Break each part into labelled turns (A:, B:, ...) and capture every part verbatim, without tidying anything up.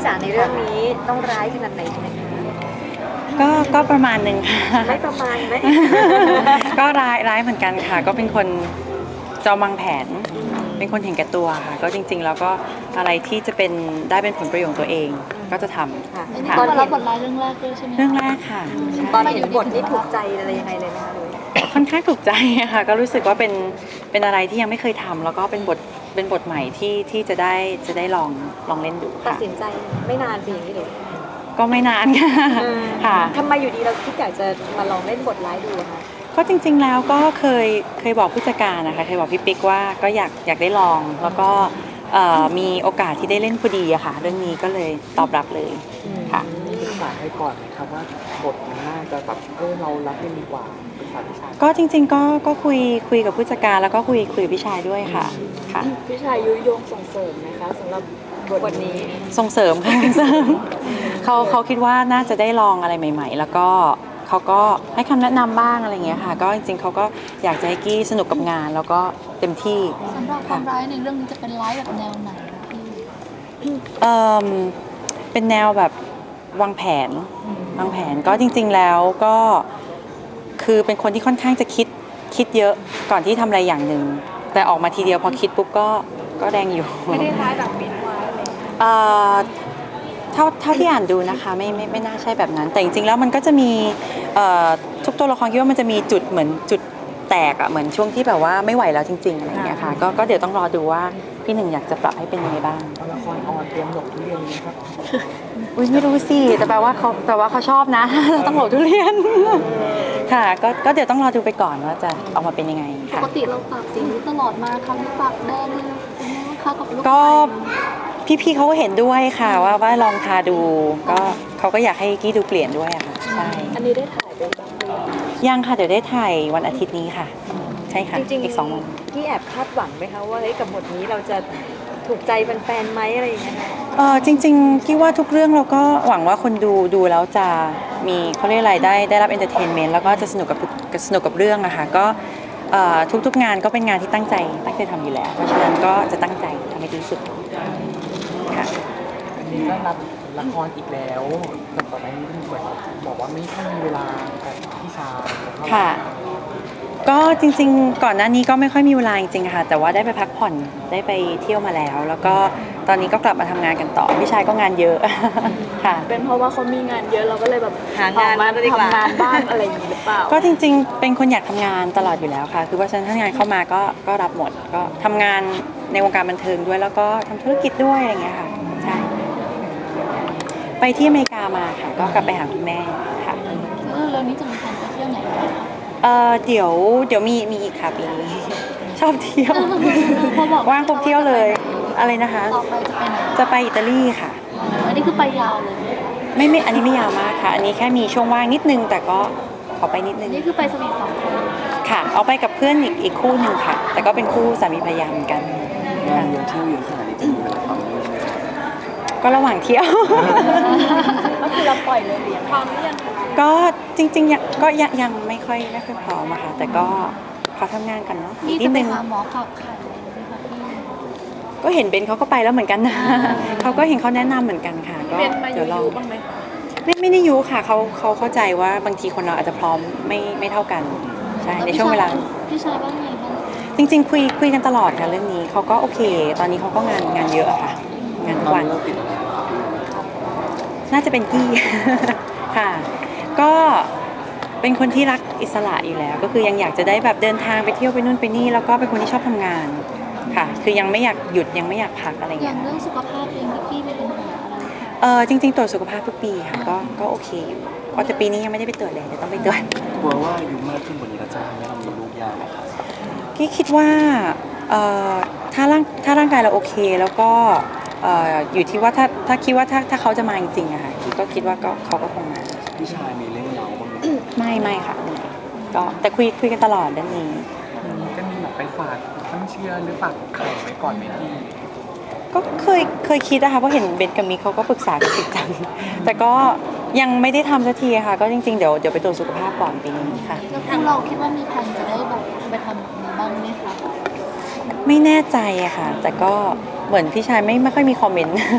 A: จ๋าในเรื่องนี้ต้องร้ายขนาดไหนใช่ไหมคะ
B: ก็ก็ประมาณหนึ่งค่ะ
A: ไม่ประมาณไหม
B: ก็ร้ายร้ายเหมือนกันค่ะก็เป็นคนจอมวางแผนเป็นคนเห็นแก่ตัวค่ะก็จริงๆแล้วก็อะไรที่จะเป็นได้เป็นผลประโยชน์ตัวเองก็จะทำ
A: ค่ะ
B: ค่ะ
C: ตอนรับบทร้ายเรื่องแรกด้วยใช่ไหม
B: เรื่องแรกค่ะใช่
A: ตอนเห็นบทนี่ถูกใจอะไรยังไงเลยไหมคะเลย
B: ค่อนข้างถูกใจค่ะก็รู้สึกว่าเป็นเป็นอะไรที่ยังไม่เคยทำแล้วก็เป็นบทเป็นบทใหม่ที่ที่จะได้จะได้ลองลองเล่นดู
A: ตัด
B: ค่ะ
A: สินใจไม่นานสิอย่างนี้เลย
B: ก็ไม่นานค่ะค่ะ
A: ทำไมอยู่ดีเราคิดอยากจะมาลองเล่นบทร้ายดูอะคะ
B: ก็จริงๆแล้วก็เคยเคยบอกผู้จัดการนะคะเคยบอกพี่ปิ๊กว่าก็อยากอยากได้ลองแล้วก็เอ่อมีโอกาสที่ได้เล่นพอดีอะค่ะเรื่องนี้ก็เลยตอบรับเลยค่ะ
D: ปรึกษาให้ก่อนครับว่าบทมันน่าจะแบบเออเรารับได้ดีกว่าปรึกษาพี่ชาย
B: ก็จริงๆก็ก็คุยคุยกับผู้จัดการแล้วก็คุยคุยกับพี่ชายด้วยค่ะค่ะ
C: พี่ชายยุยงส่งเสริมไหมคะสำหรับบ
A: ทนี้
B: ส่งเสริมค่ะ เสริมเขาเขาคิดว่าน่าจะได้ลองอะไรใหม่ๆ แล้วก็เขาก็ให้คำแนะนำบ้างอะไรอย่างเงี้ยค่ะก็จริงๆเขาก็อยากจะให้กี้สนุกกับงานแล้วก็เต็มที่
C: สำหรับความร้ายในเรื่องนี้จะเป็นร้ายแบบแนวไหนพี่
B: เอ่อเป็นแนวแบบวางแผนวางแผนก็จริงๆแล้วก็คือเป็นคนที่ค่อนข้างจะคิดคิดเยอะก่อนที่ทำอะไรอย่างหนึ่งแต่ออกมาทีเดียวพอคิดปุ๊บก็ก็แดงอยู่ไม่ได้ร้ายแบบปิดไว้เลยเอ่อเท่าเท่าที่อ่านดูนะคะไม่ไม่ไม่น่าใช่แบบนั้นแต่จริงๆแล้วมันก็จะมีเอ่อทุกตัวละครคิดว่ามันจะมีจุดเหมือนจุดแตกอะเหมือนช่วงที่แบบว่าไม่ไหวแล้วจริงๆอะไรอย่างเงี้ยค่ะก็ก็เดี๋ยวต้องรอดูว่าพี่หนึ่งอยากจะปรับให้เป็นยังไงบ้าง
D: ละครออนเตรียมหลบทุเรียนนี้ครับ
B: อุ้ยไม่รู้สิแต่แปลว่าเขาแต่ว่าเขาชอบนะ ต้องโหลดทุเรียน ค่ะก็ก็เดี๋ยวต้องรอดูไปก่อนว่าจะออกมาเป็นยังไง
C: ป
B: ค่ะ
C: กติเราปากสีนี้ตลอดมาครั้งนี้ปากแดงเลยเป็นไงบ้างคะกับลูก
B: ก็พี่ๆเขาก็เห็นด้วยค่ะว่าว่าลองทาดูก็เขาก็อยากให้กี้ดูเปลี่ยนด้วยอะค่ะใช่
C: อันนี้ได้ถ่ายไปบ้างหรือยัง
B: ยังค่ะเดี๋ยวได้ถ่ายวันอาทิตย์นี้ค่ะ ใช่ค่ะ
A: จริงๆ
B: อีกสองวัน
A: ที่แอบคาดหวังไหมคะว่าเฮ้ยกับบทนี้เราจะถูกใจแฟนๆไหมอะไรอย่างเงี้ย
B: เออจริงๆกี้ว่าทุกเรื่องเราก็หวังว่าคนดูดูแล้วจะมีเขาเรียกอะไรได้ได้รับเอนเตอร์เทนเมนต์แล้วก็จะสนุกกับสนุกกับเรื่องอะค่ะก็เอ่อทุกๆงานก็เป็นงานที่ตั้งใจตั้งใจทำอยู่แล้วเพราะฉะนั้นก็จะตั้งใจทำให้ดีที่สุดค่ะ
D: อันนี้ก็รับละครอีกแล้วแต่ต่อไปนี้เหมือนบอกว่าไม่ค่อยมีเวลากับพี่ชายเท่าไหร่
B: ค่ะก็จริงๆก่อนหน้านี้ก็ไม่ค่อยมีเวลาจริงๆค่ะแต่ว่าได้ไปพักผ่อนได้ไปเที่ยวมาแล้ว แล้วก็ตอนนี้ก็กลับมาทำงานกันต่อพี่ชายก็งานเยอะ ค่ะ
C: เป็นเพราะว่าเขามีงานเยอะเราก็เลยแบบ
A: หางาน
C: มา
A: มาดีกว่า
C: ทำงานบ้างอะไรอย่างนี้หรือเปล่า
B: ก็จริงๆเป็นคนอยากทำงานตลอดอยู่แล้วค่ะคือว่าฉะนั้นถ้างานเข้ามาก็ก็รับหมดก็ทำงานในวงการบันเทิงด้วยแล้วก็ทำธุรกิจด้วยอะไรอย่างเงี้ยค่ะใช่ไปที่อเมริกามาค่ะก็กลับไปหาคุณแม่ค่ะ
C: เออเรื่องนี้จะมีแผนไปเที่ยวไหนบ้างคะ
B: เออเดี๋ยวเดี๋ยวมีมีอีกค่ะปีนี้ ชอบเที่ยว
C: พอบอก
B: ว่างปุ๊บเที่ยวเลยอะไรนะคะ
C: ต่อไปจะไปไหน
B: จะไปอิตาลีค่ะ
C: อันนี้คือไปยาวเลยไหมคะ
B: ไม่ไม่อันนี้ไม่ยาวมากค่ะ อันนี้แค่มีช่วงว่างนิดนึงแต่ก็ขอไปนิดนึง
C: นี่คือไปสวีทสองคน
B: ค่ะ เอาไปกับเพื่อนอีกอีกคู่หนึ่งค่ะ แต่ก็เป็นคู่สามีภรรยาเหมือนกัน
D: งานเยอะเที่ยวเยอะขนาดนี้จะมีเวลาทำด้วยไหมครับ
B: ก็ระหว่างเที่ยว
C: ก็คือเราปล่อยเลยเลี้ยงความเลี้ยง
B: ก็จริงๆยังก็ยังยังไม่ค่อยไม่ค่อยพร้อมอะค่ะ แต่ก็ขอทำงานกันเนาะอี
C: นี่
B: กนิ
C: จะ
B: ด
C: ไป
B: นึง
C: หาหมอขับไข่เลยไหมคะพี่
B: ก็เห็นเบนเขาก็ไปแล้วเหมือนกันนะ เขาก็เห็นเขาแนะนำเหมือนกันค่ะก็
C: เป็นมาอ
B: เดี๋ยวลอง
C: ยู่ๆบ้างไหมคะ
B: ไม่ไม่ได้ยุค่ะเขาเขาเข้าใจว่าบางทีคนเราอาจจะพร้อมไม่ไม่เท่ากันใช่ในช่วงเวลา
C: พี่ชายว่าไงบ้าง
B: จริงๆคุยคุยกันตลอดค่ะเรื่องนี้เขาก็โอเค ตอนนี้เขาก็งานงานเยอะอะค่ะ งานทุกวัน
D: เราติดอะไร
B: น่าจะเป็นกี้ ค่ะ ก็เป็นคนที่รักอิสระอยู่แล้ว ก็คือยังอยากจะได้แบบเดินทางไปเที่ยวไปนู่นไปนี่แล้วก็เป็นคนที่ชอบทำงานค่ะ คือยังไม่อยากหยุดยังไม่อยากพักอะไร
C: อ
B: เงี้
C: ย่าย งเรื่องสุขภาพเองพี่กี้มีปัญหาอะไรไหมคะ
B: เออจริงๆตรวจสุขภาพทุกปีค่ะก็ก็โอเคอยู่อ๋อแต่ปีนี้ยังไม่ได้ไปตรวจเลยเดี๋ยวต้องไปตรวจ
D: กลัวว่าอายุมากขึ้นกว่านี้เราจะทำให้เรามีลูกยากไหมครับ
B: กี้คิดว่าเอ่อถ้าร่างถ้าร่างกายเราโอเคแล้วก็เอ่ออยู่ที่ว่าถ้าถ้าคิดว่าถ้าถ้าเขาจะมาจริงๆอะค่ะกี้ก็คิดว่าก็เขาก็คงมา
D: พี่ชายมีเรื่องเราบ้างไหม
B: ไม่ไม่ค่ะไม่ก็แต่คุยคุยกันตลอดเรื่องนี้
D: จะมีแบบไปฝากตั้งเชื่อหรือฝากไข่ไว้ก่อนไหมพี่
B: ก็เคยเคยคิดนะคะเพราะเห็นเบนกับมิกเขาก็ปรึกษากันจริงจังแต่ก็ยังไม่ได้ทำสักทีค่ะ ก็จริงๆเดี๋ยวเดี๋ยวไปตรวจสุขภาพก่อนปีนี้ค่ะ
C: แล้วพวกเราคิดว่ามีแผนจะได้แบบไปทำแบบนี้บ้างไหมคะ
B: ไม่แน่ใจอะค่ะ แต่ก็เหมือนพี่ชายไม่ไม่ค่อยมีคอมเมนต์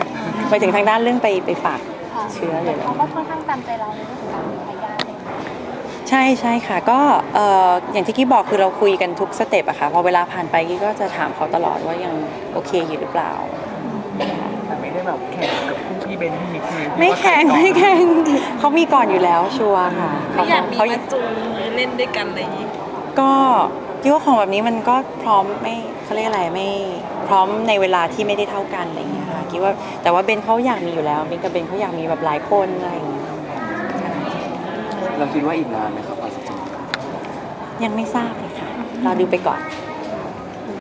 B: ไปถึงทางด้านเรื่องไปไปฝาก
C: ค่ะ
B: เชื้อเลย
C: เขาก็ค่อนข้างตามใจเราในเรื่องของการมีทายาทเลย
B: ใช่ใช่ค่ะก็เอ่ออย่างที่กี้บอกคือเราคุยกันทุกสเต็ปอะค่ะพอเวลาผ่านไปกี้ก็จะถามเขาตลอดว่ายังโอเคอยู่หรือเปล่า
D: แต่ไม่ได้แบบแข่งกับคู่พี่เบนพี่มิกซ์
B: ไม่แข่งไม่แข่งเขามีก่อนอยู่แล้วชัวร์ค่ะ
E: ไม่อยากมี
B: เขา
E: มาจูงมือเล่นด้วยกันอะไรอย่างนี้
B: ก็กี้ว่าของแบบนี้มันก็พร้อมไม่เขาเรียกอะไรไม่พร้อมในเวลาที่ไม่ได้เท่ากันอะไรอย่างเงี้ยค่ะกี้ว่าแต่ว่าเบนเขาอยากมีอยู่แล้วเบนกับเบนเขาอยากมีแบบหลายคนอะไรอย่างเงี้ย
F: เราคิดว่าอีกนานไหมครับกว่าจะถึง
B: ยังไม่ทราบเลยค่ะรอดูไปก่อน